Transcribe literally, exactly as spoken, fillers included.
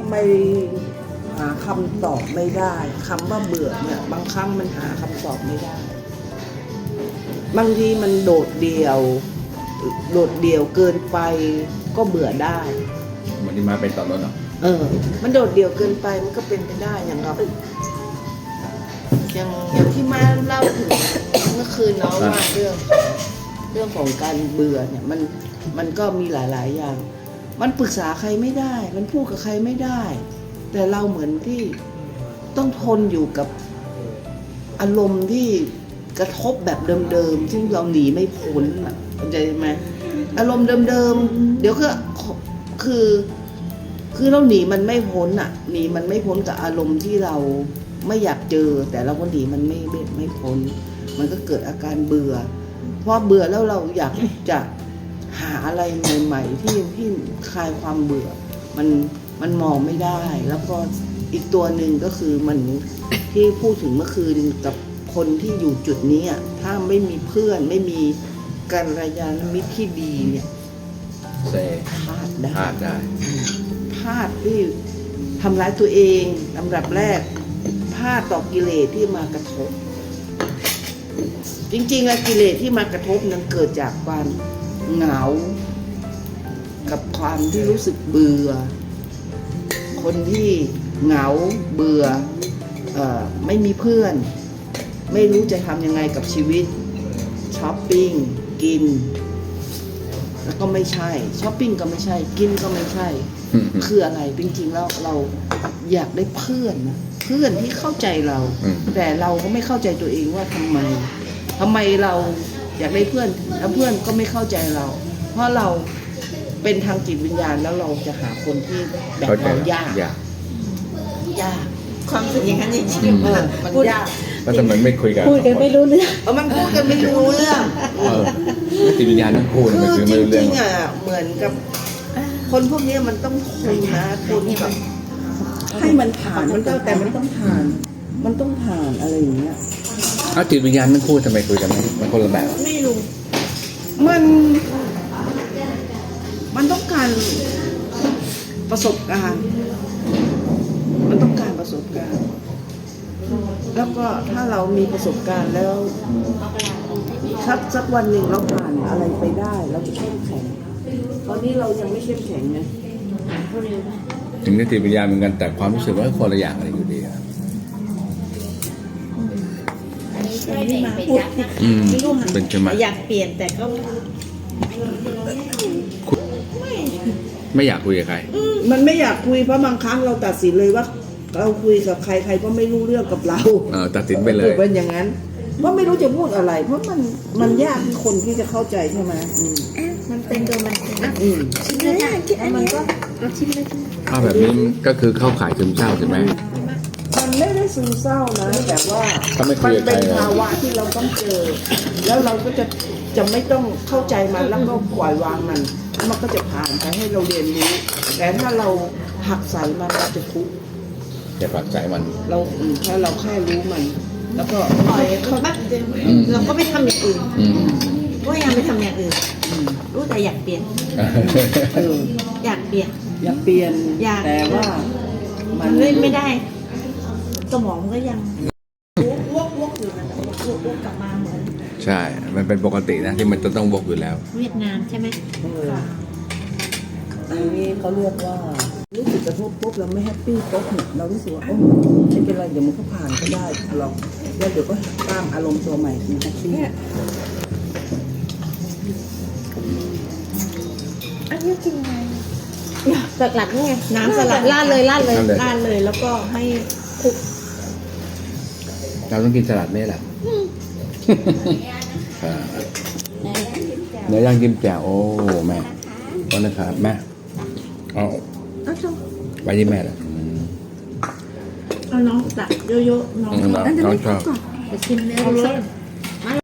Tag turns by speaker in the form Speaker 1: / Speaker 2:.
Speaker 1: ไม่หาคำตอบไม่ได้คำว่าเบื่อเนี่ยบางครั้งมันหาคำตอบไม่ได้บางทีมันโดดเดี่ยวโดดเดี่ยวเกินไปก็เบื่อได้
Speaker 2: วันนี้มาเป็นต่อรถเหรอ
Speaker 1: เออมันโดดเดี่ยวเกินไปมันก็เป็นไปได้อย่างเราอย่างอย่างที่มาเล่าถึงเมื่อคืนเนาะว่าเรื่องเรื่องของการเบื่อเนี่ยมันมันก็มีหลายๆอย่างมันปรึกษาใครไม่ได้มันพูดกับใครไม่ได้แต่เราเหมือนที่ต้องทนอยู่กับอารมณ์ที่กระทบแบบเดิมๆซึ่งเราหนีไม่พ้นอ่ะเข้าใจไหมอารมณ์เดิมๆเดี๋ยวก็คือคือเราหนีมันไม่พ้นอ่ะหนีมันไม่พ้นกับอารมณ์ที่เราไม่อยากเจอแต่เราก็หนีมันไม่ไม่ไม่พ้นมันก็เกิดอาการเบื่อเพราะเบื่อแล้วเราอยากจะหาอะไรใหม่ๆที่ที่คลายความเบื่อมันมันมองไม่ได้แล้วก็อีกตัวหนึ่งก็คือมันที่พูดถึงเมื่อคืนกับคนที่อยู่จุดนี้อ่ะถ้าไม่มีเพื่อนไม่มีกัลยาณมิตรที่ดีเนี่ย
Speaker 2: เซ
Speaker 1: พลาดได้
Speaker 2: พลาดได้
Speaker 1: พลาดที่ทำร้ายตัวเองลำดับแรกพลาดต่อกิเลสที่มากระทบจริงๆอะกิเลสที่มากระทบนั้นเกิดจากความเหงากับความที่รู้สึกเบื่อคนที่เหงาเบื่อเอ่อไม่มีเพื่อนไม่รู้จะทำยังไงกับชีวิตช้อปปิ้งกินแล้วก็ไม่ใช่ช้อปปิ้งก็ไม่ใช่กินก็ไม่ใช่คืออะไรจริงๆแล้วเราอยากได้เพื่อนนะเพื่อนที่เข้าใจเราแต่เราก็ไม่เข้าใจตัวเองว่าทำไมทำไมเราอยากได้เพื่อนแล้วเพื่อนก็ไม่เข้าใจเราเพราะเราเป็นทางจิตวิญญาณแล้วเราจะหาคนที่แบบเรายากยากยาก
Speaker 3: ความรู้สึกอย่างนั้นจริงๆ
Speaker 1: เออมันยาก
Speaker 2: แล้วทำไมไม่คุยกัน
Speaker 3: พูดกันไม่รู้เรื่อง
Speaker 1: เออมันพูดกันไม่รู้เรื่อง
Speaker 2: เออจิตวิญญาณทั้งคู่มันคือไม่รู้เรื่อง
Speaker 1: จริงๆอ่ะเหมือนกับคนพวกนี้มันต้องทนนะทนแบบให้มันผ่านมันก็แต่มันต้องผ่านมันต้องผ่านอะไรอย่างเงี้ย
Speaker 2: เอาจิตวิญญาณทั้งคู่ทำไมคุยกันไม่มันคนละแบบ
Speaker 1: ไม่รู้มันมันต้องการประสบการณ์มันต้องการประสบการณ์แล้วก็ถ้าเรามีประสบการณ์แล้วสักสักวันหนึ่งเราผ่านอะไรไปได้เราจะเข้มแข็งตอนนี้เรายังไม่เข้มแข็งไง
Speaker 2: ถึงได้จิตวิญญาณเหมือนกันแต่ความรู้สึกว่าคนละอย่างอะไรอยู่ดีอะ
Speaker 3: ไม่มาพูด
Speaker 2: ไม่รู้เป็นใช่ไหม
Speaker 3: อยากเปลี่ยนแต่ก็
Speaker 2: ไม่อยากคุยกับใคร
Speaker 1: มันไม่อยากคุยเพราะบางครั้งเราตัดสินเลยว่าเราคุยกับใครใครก็ไม่รู้เรื่องกับเรา
Speaker 2: เออตัดสินไปเลย
Speaker 1: เป็นอย่างนั้นเพราะไม่รู้จะพูดอะไรเพราะมันมันยากที่คนที่จะเข้าใจใช่ไหม
Speaker 3: มันเป็นโดยมันเป็น
Speaker 1: ชิม
Speaker 3: เลยแล้วมันก็เราชิมเลย
Speaker 2: ถ้าแบบนี้ก็คือเข้าขายซึมเศร้าใช่ไหม
Speaker 1: มันไม่ได้ซึมเศร้านะแต่ว่า
Speaker 2: มัน
Speaker 1: เป็นภาวะที่เราต้องเจอแล้วเราก็จะจะไม่ต้องเข้าใจมันแล้วก็ปล่อยวางมันมันก็จะผ่านไปให้เราเรียนรู้แต่ถ้าเราหักใส่มันเราจะทุกข์
Speaker 2: จะผักใส่มัน
Speaker 1: เราถ้าเราแค่รู้มันแล้วก็
Speaker 3: ปล่อยเขาแบบเราก็ไม่ทำอย่างอื่นก็ยังไม่ทำอย่างอื่นรู้แต่อยากเปลี่ยนอยากเปลี่ยน
Speaker 1: อยากเปลี่ยนแต่ว่า
Speaker 3: มันเล่นไม่ได้สมองก็ยังวกวกอยู่นะวกวกกลับมาเหมือน
Speaker 2: ใช่มันเป็นปกตินะที่มันจะต้องวกอยู่แล้ว
Speaker 3: เวียดนามใช่ไหม
Speaker 1: อันนี้เขาเรียกว่ารู้สึกกระทบปุ๊บเราไม่แฮปปี้ปุ๊บเรารู้สึกว่าโอ้ไม่เป็นไรเดี๋ยวมันก็ผ่านก็ได้ลองแล้วเดี๋ยวก็ตามอารมณ์ตัวใหม่คือแฮปปี้
Speaker 3: อันนี้กินไงสลัดนี่ไงน้ำสลัดราดเลยราดเลยราดเลยแล้วก็ให้คลุก
Speaker 2: เราต้องกินสลัดนี่แหละเนื้อย่างกิมแจ่วโอ้แม่ก็นะครับแม่เอาไว้ที่แม่เลย
Speaker 3: เอาน้องตักเยอะๆน้อง
Speaker 2: น้องชอบ
Speaker 3: จะชิมเนื้อเลย